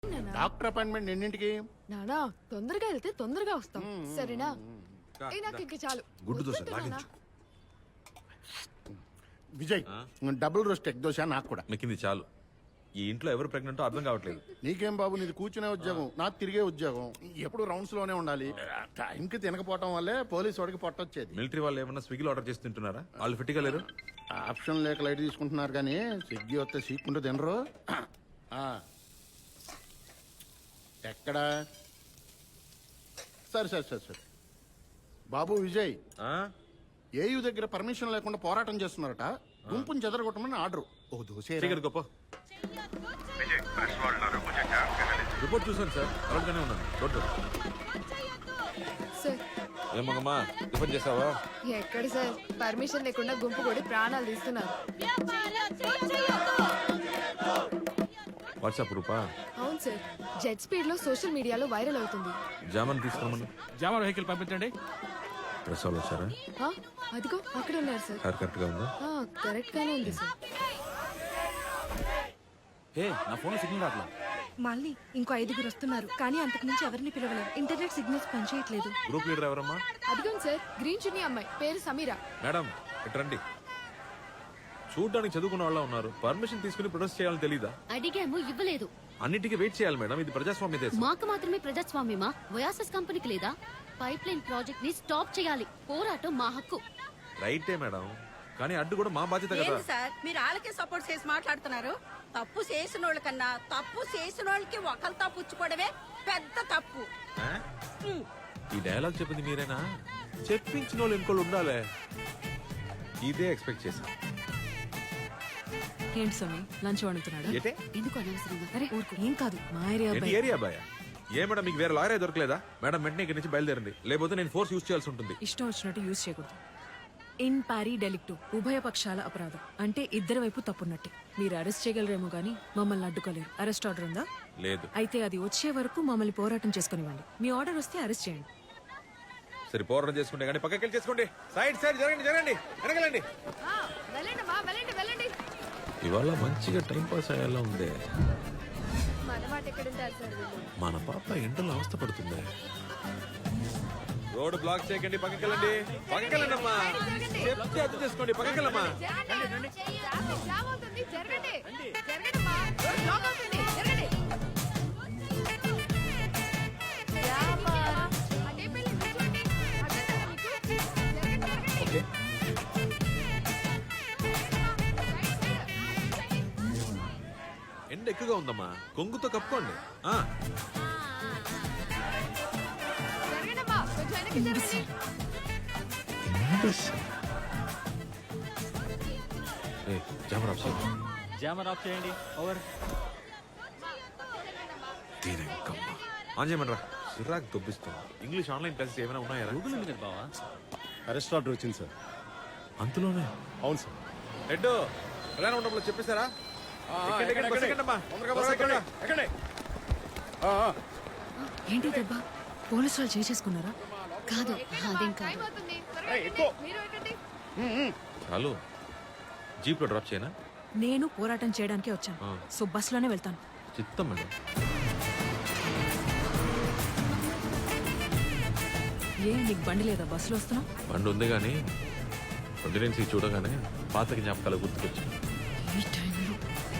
Doctor appointment ఎన్నింటికి? నానా తొందరగా వెళ్తే తొందరగా వస్తాం సరేనా? నాకు ఇంక చాలు. గుడ్డు దోశ లాగించు. Vijay double roast egg dosa నాకు కూడా. మెక్కింది చాలు. ఈ ఇంట్లో ఎవరు ప్రెగ్నెంటో అర్థం కావట్లేదు. నీకేం బాబు, నీది కూర్చునే ఉద్యోగం, నాకు తిరిగే ఉద్యోగం. ఎప్పుడు రౌండ్స్ లోనే ఉండాలి. టైంకి తినకపోవటం వల్లే పోలీసు వాడికి పొట్టొచ్చేది. మిలిటరీ వాళ్ళు ఏమన్నా స్విగ్గీలో ఆర్డర్ చేసి తింటున్నారా? వాళ్ళు ఫిట్గా లేరు. ఆప్షన్ లేక లైట్ తీసుకుంటున్నారు కానీ స్విగ్గీ వస్తే సీక్కుంటూ తినరు. ఎక్కడా? సరే సరే సరే సరే బాబు విజయ్, ఏయూ దగ్గర పర్మిషన్ లేకుండా పోరాటం చేస్తున్నారట. గుంపుని చెదరగొట్టమని ఆర్డర్. ఓ దోశ గొప్ప రిపోర్ట్ చూసాను సార్, అలాగే ఉన్నాను. ఏమమ్మా టిఫిన్ చేసావా? ఎక్కడ సార్, పర్మిషన్ లేకుండా గుంపు కొడి ప్రాణాలు తీస్తున్నారు. వాట్సాప్ రూపా? అవును సార్, జెట్ స్పీడ్ లో సోషల్ మీడియాలో వైరల్ అవుతుంది. జామన్ తీసుకురమ్మను. జామర్ వెహికల్ పంపించండి. డ్రెస్ వాళ్ళు వచ్చారా? అదిగో అక్కడ ఉన్నారు సార్. హెయిర్ కరెక్ట్ గా ఉందా? కరెక్ట్ గానే ఉంది సార్. నా ఫోన్ సిగ్నల్ రాట్లా. మళ్ళీ ఇంకో 5 వస్తున్నారు, కానీ అంతకు మించి ఎవరిని పిలవలేదు. ఇంటర్నెట్ సిగ్నల్స్ పనిచేయట్లేదు. గ్రూప్ లీడర్ ఎవరమ్మా? అదిగో సార్, గ్రీన్ చున్నీ అమ్మాయి, పేరు సమీరా. మేడం ఇట్రండి. చూడ్డానికి చదువుకున్న వాళ్ళ ఉన్నారు. పర్మిషన్ తీసుకుని ప్రొటెస్ట్ చేయాలని తెలీదా? అడిగాము, ఇవ్వలేదు. అన్నిటికీ వెయిట్ చేయాలి మేడం, ఇది ప్రజాస్వామ్య దేశం. మాకు మాత్రమే ప్రజాస్వామ్యమా? వయాసస్ కంపెనీకి లేదా? పైప్ లైన్ ప్రాజెక్ట్ ని స్టాప్ చేయాలి. పోరాటం మా హక్కు. రైటే మేడం, కానీ అడ్డు కూడా మా బాధ్యత కదా. సార్ మీరు వాళ్ళకే సపోర్ట్ చేసి మాట్లాడుతున్నారు. తప్పు చేసిన వాళ్ళ కన్నా తప్పు చేసిన వాళ్ళకి ఒకరితో పుచ్చుకోవడమే పెద్ద తప్పు. ఈ డైలాగ్ చెప్పింది మీరేనా? చెప్పించిన వాళ్ళు ఇంకోళ్ళు ఉండాలి. ఇదే ఎక్స్పెక్ట్ చేశా. ఏంటి స్వామి, లంచ్ వండుతున్నాడు? ఎందుకు అనవసరంగా? అరే ఏం కాదు, మా ఏరియా ఏంటి ఏరియా బాయ్? ఏ మేడం మీకు వేరే లాయర్ దొరకలేదా? మేడం వెంటనే ఇక్కడి నుంచి బయలుదేరండి, లేకపోతే నేను ఫోర్స్ యూజ్ చేయాల్సి ఉంటుంది. ఇష్టం వచ్చినట్టు యూజ్ చేయకూడదు. ఇన్ పారీ డెలిక్టు, ఉభయ పక్షాల అపరాధం. అంటే ఇద్దరి వైపు తప్పున్నట్టే. మీరు అరెస్ట్ చేయగలరేమో గానీ మమ్మల్ని అడ్డుకోలేరు. అరెస్ట్ ఆర్డర్ ఉందా? లేదు. అయితే అది వచ్చే వరకు మమ్మల్ని పోరాటం చేసుకునివ్వండి. మీ ఆర్డర్ వస్తే అరెస్ట్ చేయండి. సరే పోరాటం చేసుకుంటే కానీ పక్కకి వెళ్ళి చేసుకోండి. సైడ్ సైడ్ జరగండి జరగండి, వెనకలండి. వెళ్ళండి. ఇవాళ మంచిగా టైం పాస్ అయ్యేలా ఉంది. మన మాట ఎక్కడ ఉంటారు సార్ వీళ్ళు? మన పాప ఎండలో అవస్థ పడుతుంది. రోడ్ బ్లాక్ చేయకండి, పక్కకి వెళ్ళండి. పక్కకి వెళ్ళండి అమ్మా, చెప్తే అర్థం చేసుకోండి. పక్కకి వెళ్ళమ్మా. ఎండ ఎక్కువగా ఉందమ్మా, కొంగుతో కప్పుకోండి. జామర్ ఆఫ్ చేయండి. ఓవర్. ఆన్ చేయమంటారా? సిరాక్ దొబ్బిస్తుంది. ఇంగ్లీష్ ఆన్లైన్ క్లాసెస్ ఏమైనా ఉన్నాయా? గూగుల్ ఉంది కదా బావా. అరెస్ట్ ఆర్డర్ వచ్చింది సార్. అంతలోనే? అవును సార్. హెడ్ ఎలా ఉండప్పుడు చెప్పేశారా? ఏంటి దెబ్బ? పోలీసు వాళ్ళు చేసుకున్నారా? కాదు, అదేం కాదు. చాలు, జీప్ లో డ్రాప్ చేయనా? నేను పోరాటం చేయడానికే వచ్చాను, సో బస్ లోనే వెళ్తాను. చిత్తం మేడం. ఏ నీకు బండి లేదా? బస్సులో వస్తున్నావు? బండి ఉంది కానీ ప్రెగ్నెన్సీ చూడగానే పాత జ్ఞాపకాలు గుర్తుకొచ్చాయి. ఈ టైంలో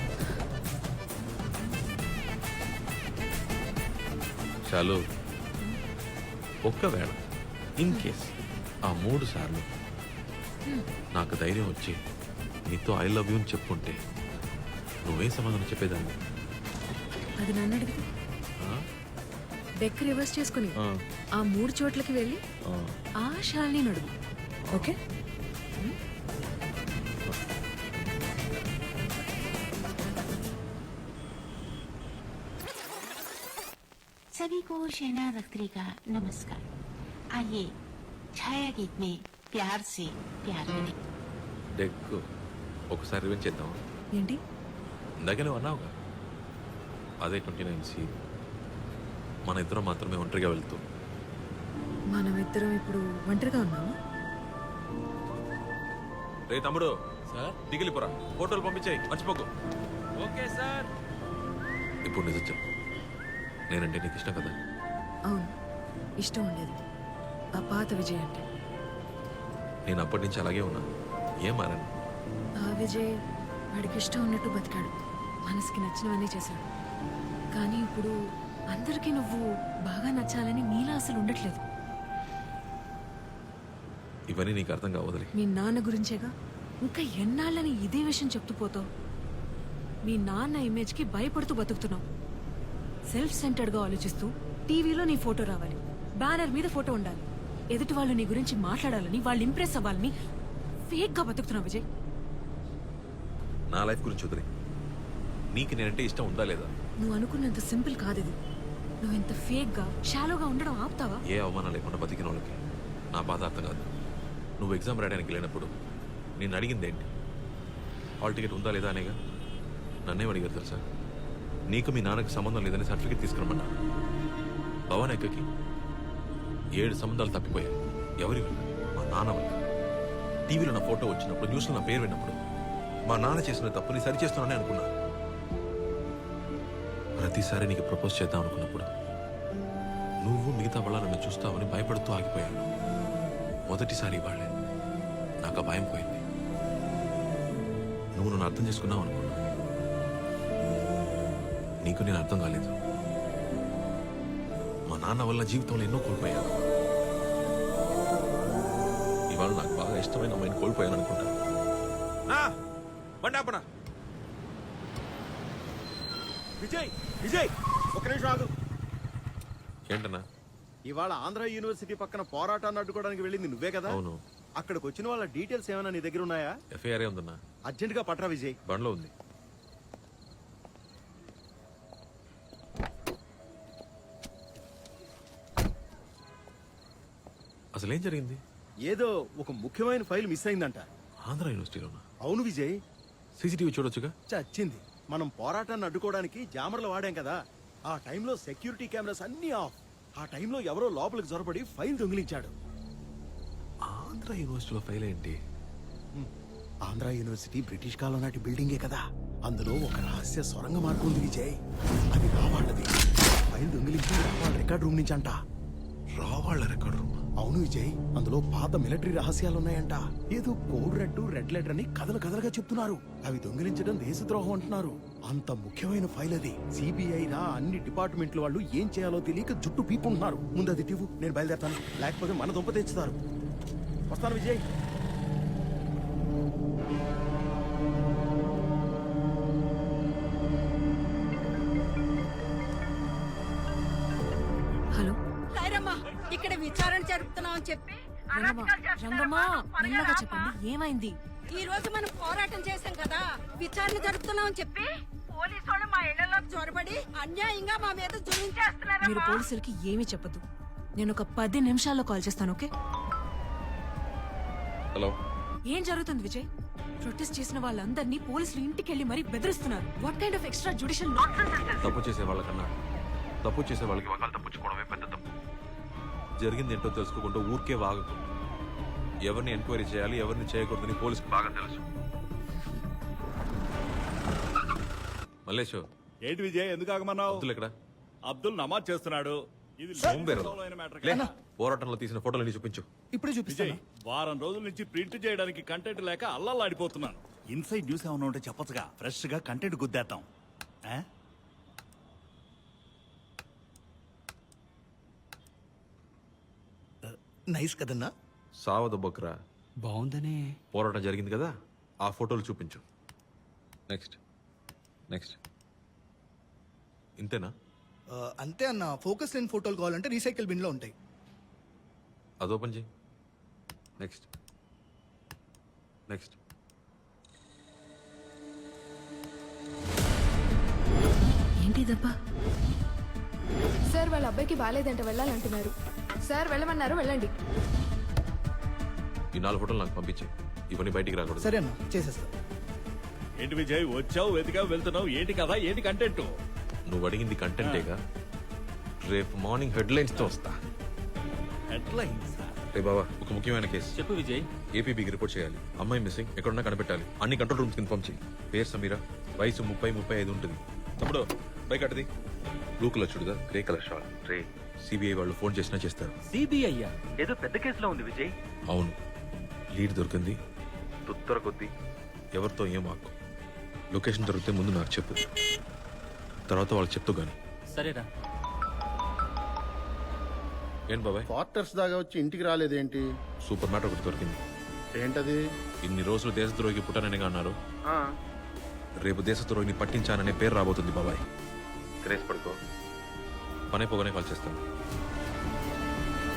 చాలు, ఒక్కవేళ ఇన్ కేస్ ఆ 3 సార్లు నాకు ధైర్యం వచ్చి నీతో ఐ లవ్ యూ అని చెప్పుంటే నువ్వే సమాధానం చెప్పేదాన్ని? అది నన్ను అడిగితే డెక్ రివర్స్ చేసుకుని ఆ 3 చోట్లకి వెళ్ళి ఆ శాలిని నడుగు. ఓకే? सभी को शहना रख्तरी का नमस्कार। आइए छाया गीत में प्यार से प्यार करें। డెక్ ఒకసారి రివెంజ్ చేద్దాం. ఏంటి ఇందాకే నువ్వు అన్నావుగా, అదే 29C. మన ఇద్దరం మాత్రమే ఒంటరిగా వెళ్తూ. మనమిద్దరం ఇప్పుడు ఒంటరిగా ఉన్నాము. రే తమ్ముడు, దిగిలిపోరా, ఫోటోలు పంపించాయి, మర్చిపోకు. Okay sir. ఇప్పుడు నిజం చెప్పు, నేనంటే నీకు ఇష్టం కదా? అవును, ఇష్టం ఉండేది. ఆ పాత విజయ్ అంటే. నేను అప్పటి నుంచి అలాగే ఉన్నా, ఏం మారాను. ఆ విజయ్ వాడికి ఇష్టం ఉన్నట్టు బతికాడు, మనసుకి నచ్చినవన్నీ చేశాడు. కానీ ఇప్పుడు అందరికీ నువ్వు బాగా నచ్చాలని నీలా అసలు ఉండట్లేదు. ఇవన్నీ నీకు అర్థం కావదులే. మీ నాన్న గురించేగా, ఇంకా ఎన్నాళ్ళని ఇదే విషయం చెప్తూ పోతావు? మీ నాన్న ఇమేజ్కి భయపడుతూ బతుకుతున్నావు. సెల్ఫ్ సెంటర్డ్గా ఆలోచిస్తూ టీవీలో నీ ఫోటో రావాలి, బ్యానర్ మీద ఫోటో ఉండాలి, ఎదుటి వాళ్ళు నీ గురించి మాట్లాడాలని, వాళ్ళు ఇంప్రెస్ అవ్వాలని ఫేక్గా బతుకుతున్నావు విజయ్. నా లైఫ్ గురించి వదిలే. నీకు నేనంటే ఇష్టం ఉందా లేదా? నువ్వు అనుకున్నంత సింపుల్ కాదు ఇది. నువ్వు ఇంత ఫేక్గా షాలోగా ఉండడం ఆపుతావా? ఏ అవమానం లేకుండా బతికిన వాళ్ళకి నా బాధ అర్థం కాదు. నువ్వు ఎగ్జామ్ రాయడానికి వెళ్ళినప్పుడు నేను అడిగింది ఏంటి? హాల్ టికెట్ ఉందా లేదా అనేగా. నన్నేం అడిగారు తెలుసా? నీకు మీ నాన్నకి సంబంధం లేదని సర్టిఫికేట్ తీసుకురమ్మన్నా. భవన్ ఎక్కకి 7 సంబంధాలు తప్పిపోయాయి. ఎవరి వల్ల? మా నాన్న వల్ల. టీవీలో నా ఫోటో వచ్చినప్పుడు, న్యూస్లో నా పేరు విన్నప్పుడు మా నాన్న చేసిన తప్పుని సరిచేస్తున్నానని అనుకున్నా. ప్రతిసారి నీకు ప్రపోజ్ చేద్దాం అనుకున్నప్పుడు నువ్వు మిగతా వాళ్ళ నన్ను చూస్తావని భయపడుతూ ఆగిపోయాను. మొదటిసారి వాళ్ళే నాకు ఆ భయం పోయింది. నువ్వు నన్ను అర్థం చేసుకున్నావు అనుకున్నా. నీకు నేను అర్థం కాలేదు. మా నాన్న వల్ల జీవితంలో ఎన్నో కోల్పోయాను. ఇవాళ నాకు బాగా ఇష్టమైన అమ్మాయిని కోల్పోయాను అనుకుంటా. విజయ్ విజయ్ ఒక నిమిషం ఆగు. ఏంటన్నా? ఇవాళ ఆంధ్ర యూనివర్సిటీ పక్కన పోరాటాన్ని అడ్డుకోవడానికి వెళ్ళింది నువ్వే కదా? అవును. అక్కడికి వచ్చిన వాళ్ళ డీటెయిల్స్ ఏమైనా నీ దగ్గర ఉన్నాయా? ఎఫ్ఐఆర్ ఉందన్నా. అర్జెంట్ గా పట్రా విజయ్. బండ్లో ఉంది. అసలేం జరిగింది? ఏదో ఒక ముఖ్యమైన ఫైల్ మిస్ అయిందంట. ఆంధ్ర యూనివర్సిటీలోనా? అవును విజయ్. సీసీటీవీ చూడొచ్చుగా. చచ్చింది. మనం పోరాటాన్ని అడ్డుకోవడానికి జామర్లు వాడాం కదా, ఆ టైంలో సెక్యూరిటీ కెమెరాస్ అన్ని ఆఫ్. ఆ టైంలో ఎవరో లోపలికి జొరబడి ఫైల్ దొంగిలించాడు. ఆంధ్ర యూనివర్సిటీలో ఫైల్ ఏంటి? ఆంధ్ర యూనివర్సిటీ బ్రిటిష్ కాలం నాటి బిల్డింగే కదా, అందులో ఒక రహస్య సొరంగ మార్గం ఉంది విజయ్. అది రావాళ్ళది. ఫైల్ దొంగిలించి రావాళ్ళ రికార్డ్ రూమ్ నుంచి అంట. రావాళ్ళ రికార్డ్ రూమ్? అవును విజయ్, అందులో పాత మిలిటరీ రహస్యాలు ఉన్నాయంట. ఏదో కోడ్ రెడ్ లెటర్ అని కథలుగా చెప్తున్నారు. అవి దొంగిలించడం దేశద్రోహం అంటున్నారు. అంత ముఖ్యమైన ఫైల్ అది. సిబిఐ రా అన్ని డిపార్ట్మెంట్ల వాళ్ళు ఏం చేయాలో తెలియక జుట్టు పీపుకుంటున్నారు. ముందు అది టివ్వు, నేను బయలుదేరతాను. లేకపోతే మన దుంప తెచ్చుతారు. వస్తాను విజయ్. హలో సైరమ్మా, ఇక్కడ విచారణ జరుపుతున్నామని చెప్పి రంగమ్మా, మెల్లగా చెప్పండి, ఏమైంది? ఈ రోజు మనం పోరాటం చేశాం కదా, విచారణ జరుపుతున్నామని చెప్పి పోలీసు వాళ్ళు మా ఇళ్లలో చొరబడి అన్యాయంగా మా మీద మీరు జులించేస్తున్నారు. పోలీసులకి ఏమీ చెప్పదు. నేను ఒక 10 నిమిషాల్లో కాల్ చేస్తాను, ఓకే? హలో. ఏం జరుగుతుంది విజయ్? ప్రొటెస్ట్ చేసిన వాళ్ళందరినీ పోలీసులు ఇంటికి వెళ్ళి మరీ బెదిరిస్తున్నారు. What kind of extra judicial nonsense? తప్పు చేసే వాళ్ళకన్నా తప్పు చేసే వాళ్ళకి వకాలు తప్పించుకోవడమే పెద్ద తప్పు. జరిగింది ఏంటో తెలుసుకోకుండా ఊరికే వాగకు. ఎవరిని ఎంక్వైరీ చేయాలి, ఎవరిని చేయకూడదని పోలీసుకు బాగా తెలుసు. మల్లేష్, ఏంటి విజయ్, ఎందుకు ఆగమన్నావు? అబ్దుల్ ఎక్కడ? అబ్దుల్ నమాజ్ చేస్తున్నాడు. ఇది సోంబేరు. లోతైన matter లే, కదా. పోరాటంలో తీసిన ఫోటోలు చూపించు. విజయ్, వారం రోజుల నుంచి ప్రింట్ చేయడానికి కంటెంట్ లేక అల్లల్లాడిపోతున్నాను. ఇన్సైడ్ న్యూస్ ఏమన్నా ఉంటే చెప్పొచ్చుగా, ఫ్రెష్ గా కంటెంట్ గుద్దేద్దాం. ఆ? నైస్ కదన్నా. సావద బొక్రా. బాగుందనే. పోరాటం జరిగింది కదా, ఆ ఫోటోలు చూపించు. Next next. ఇంతేనా? అంతే అన్న. ఫోకస్ లేని ఫోటోలు కావాలంటే రీసైకిల్ బిన్ లో ఉంటాయి. అది ఓపెన్ చేయి. Next next. ఏంటి దబ్బా? సార్ వాళ్ళ అబ్బాయికి బాగాలేదంట, వెళ్ళాలంటున్నారు. సార్ వెళ్ళమన్నారు, వెళ్ళండి. ఈ 4 ఫోటోలు నాకు పంపించే. ఇవన్నీ బయటికి రాకూడదు. సరే అన్న, చేసేస్తా. ఏంటి విజయ్, వచ్చావు, వెతికావు, వెళ్తున్నావు, ఏంటి కదా, ఏంటి కంటెంట్? నువ్వు అడిగింది కంటెంటేగా. రేపు మార్నింగ్ హెడ్లైన్స్ తో వస్తా. హెడ్లైన్స్? రే బాబా, ఒక ముఖ్యమైన కేసు. చెప్పు విజయ్. ఏపీబీకి రిపోర్ట్ చేయాలి. అమ్మాయి మిస్సింగ్, ఎక్కడున్నా కనిపెట్టాలి. అన్ని కంట్రోల్ రూమ్స్ కి ఇన్ఫార్మ్ చేయి. పేరు సమీరా, వయసు 30-35 ఉంటుంది. తమ్ముడు బైక్ అట్టది. Blue colour churidar grey colour shawl రే సిబిఐ వాళ్ళు ఫోన్ చేసినా చేస్తారు. సిబిఐ ఏదో పెద్ద కేసులో ఉంది విజయ్. అవును, లీడ్ దొరికింది. తుత్తర కొద్దీ ఎవరితో ఏం ఆకు. లొకేషన్ దొరికితే ముందు నాకు చెప్పు, తర్వాత వాళ్ళకి చెప్తూ గాని. సరేరా. ఏంటి బాబాయ్, క్వార్టర్స్ దాకా వచ్చి ఇంటికి రాలేదేంటి? సూపర్ మ్యాటర్ ఒకటి దొరికింది. ఏంటది? ఇన్ని రోజులు దేశద్రోహికి పుట్టాననిగా అన్నారు. రేపు దేశద్రోహిని పట్టించాననే పేరు రాబోతుంది బాబాయ్. క్రేజ్ పడుకో, పనైపోగానే కాల్ చేస్తాను.